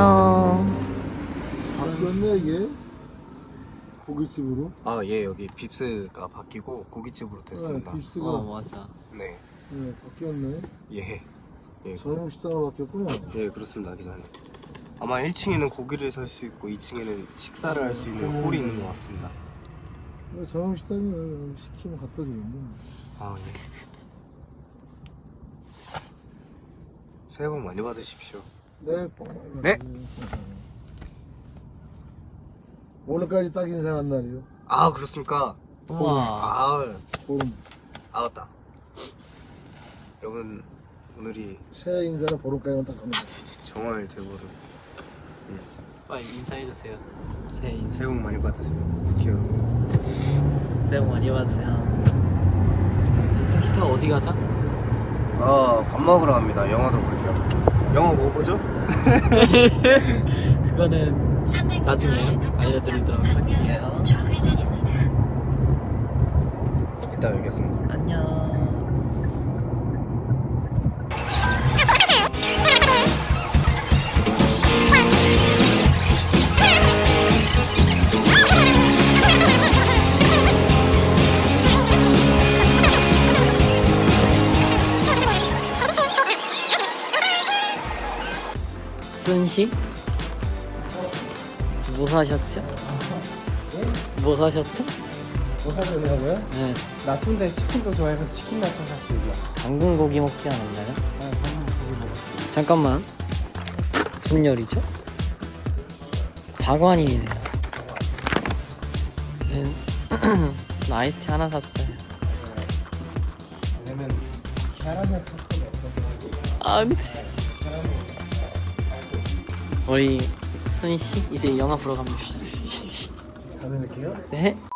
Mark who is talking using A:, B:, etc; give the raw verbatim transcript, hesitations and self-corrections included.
A: 안녕.
B: 바뀌었네 이게 고깃집으로.
C: 아, 예, 여기 빕스가 바뀌고 고깃집으로 됐습니다.
B: 네, 빕스가
A: 어 맞아.
C: 네,
B: 네, 바뀌었네.
C: 예, 예,
B: 저녁 식당으로 바뀌었구나.
C: 예, 그렇습니다, 기사님. 아마 일 층에는 고기를 살 수 있고 이 층에는 식사를 할 수 있는 홀이 있는 것 같습니다.
B: 네, 저녁 식당은 시키면 갖다 주는데.
C: 아, 예. 새해 복 많이 받으십시오.
B: 네, 뻥 많이
C: 네.
B: 받으세요. 오늘까지 딱 인사한 날이요.
C: 아, 그렇습니까?
A: 우와.
C: 아,
B: 보름.
C: 아, 맞다. 여러분, 오늘이
B: 새해 인사는 보름까지만 딱 하는 거.
C: 정월 대보름.
A: 빨리 인사해 주세요. 새해 인사.
C: 새해 복 많이 받으세요, 국회 여러분.
A: 새해 복 많이 받으세요. 저 택시 타고 어디 가죠?
C: 아, 밥 먹으러 갑니다. 영화도 볼게요. 영화 뭐 보죠?
A: 그거는 나중에 알려드리도록 할게요.
C: 이따 뵙겠습니다.
A: 안녕. 순씨? 뭐 사셨죠? 뭐 사셨죠?
B: 뭐 사셨냐고요?
A: 네.
B: 나초인데 치킨도 좋아해서 치킨 나초 샀어요.
A: 당근 고기 먹지 않았나요?
B: 네, 방금 고기 먹었어요.
A: 잠깐만. 무슨 요리죠? 사관이네요. 나 아이스티 하나 샀어요.
B: 왜냐면 캐러멜 팝콘이 없어서.
A: 안 돼. 우리 순씨 이제 영화 보러 갑니다.
B: 가면 될게요.
A: 네.